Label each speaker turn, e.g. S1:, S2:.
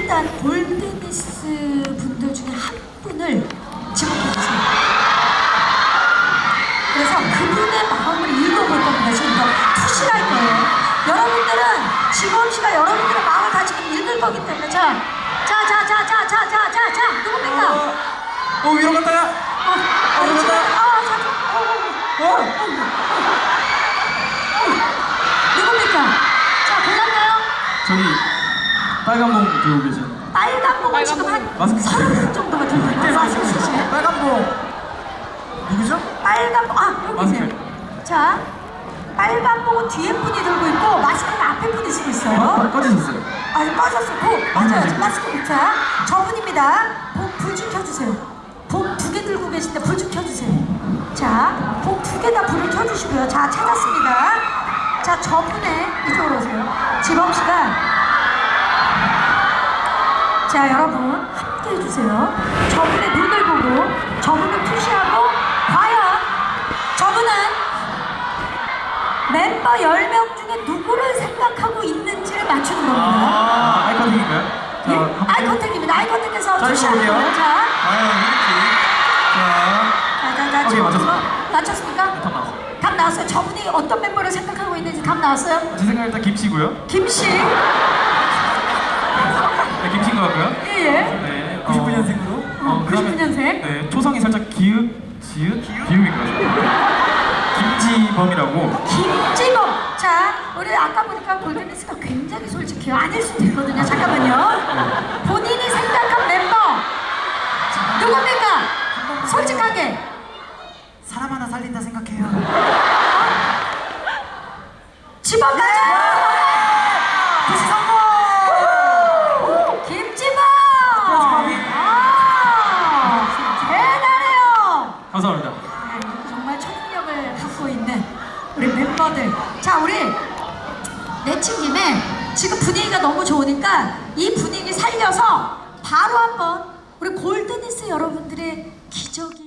S1: 일단 골드니스 분들 중에 한 분을 지목해주세요. 그래서 그분의 마음을 읽어볼 겁니다. 지금부터 투시할 거예요. 여러분들은 지범씨가 여러분들의 마음을 다 지금 읽을 거기 때문에 자 누굽니까?
S2: 위로 갔다가
S1: 누굽니까? 자, 골랐나요?
S2: 저기 빨간 봉 들고 계시는
S1: 빨간 봉을 지금 한
S2: 마스크
S1: 30분 정도가 들고 있는 마스크 쓰시네.
S2: 빨간 봉 누구죠?
S1: 빨간 봉, 여기
S2: 마스크.
S1: 있네요. 자, 빨간 봉은 뒤에 분이 들고 있고 마스크는 앞에 분이 쓰고 있어요.
S2: 꺼지셨어요.
S1: 꺼졌어. 맞아요. 지금 마스크. 자, 저분입니다. 불 좀 켜주세요. 봉 2개 들고 계신데 불 좀 켜주세요. 자, 봉 2개 다 불을 켜주시고요. 자, 찾았습니다. 자, 저분의 이쪽으로 오세요. 지범씨가 자, 여러분 함께 해주세요. 저분의 눈을 보고 저분을 푸시하고 과연 저분은 멤버 10명 중에 누구를 생각하고 있는지를 맞추는 겁니다.
S2: 아이 컨택인가요?
S1: 예? 아이 컨택입니다. 아이 컨택해서
S2: 자,
S1: 푸시하는
S2: 볼게요.
S1: 거예요. 자,
S2: 오케이, 맞췄습니다.
S1: 맞췄습니까?
S2: 답 나왔어요.
S1: 답 나왔어요. 저분이 어떤 멤버를 생각하고 있는지 답 나왔어요?
S2: 제 생각에 일단 김씨고요.
S1: 김씨.
S2: 네, 김씨인 것 같고요.
S1: 예.
S2: 네,
S3: 99년생으로
S1: 99년생.
S2: 네, 초성이 살짝 기읒, 비읍인가요? 김지범이라고.
S1: 김지범. 자, 우리 아까 보니까 골든리스가 굉장히 솔직해요. 아닐 수도 있거든요. 잠깐만요. 본인이 생각한 멤버 누굽니까? 솔직하게.
S3: 사람 하나 살린다 생각해요.
S1: 지범 가자.
S3: 부시 성공!
S1: 김지범. 아, 대단해요.
S2: 감사합니다.
S1: 정말 초능력을 갖고 있는 우리 멤버들. 자, 우리 내친 김에 지금 분위기가 너무 좋으니까 이 분위기 살려서 바로 한번 우리 골든니스 여러분들의 기적이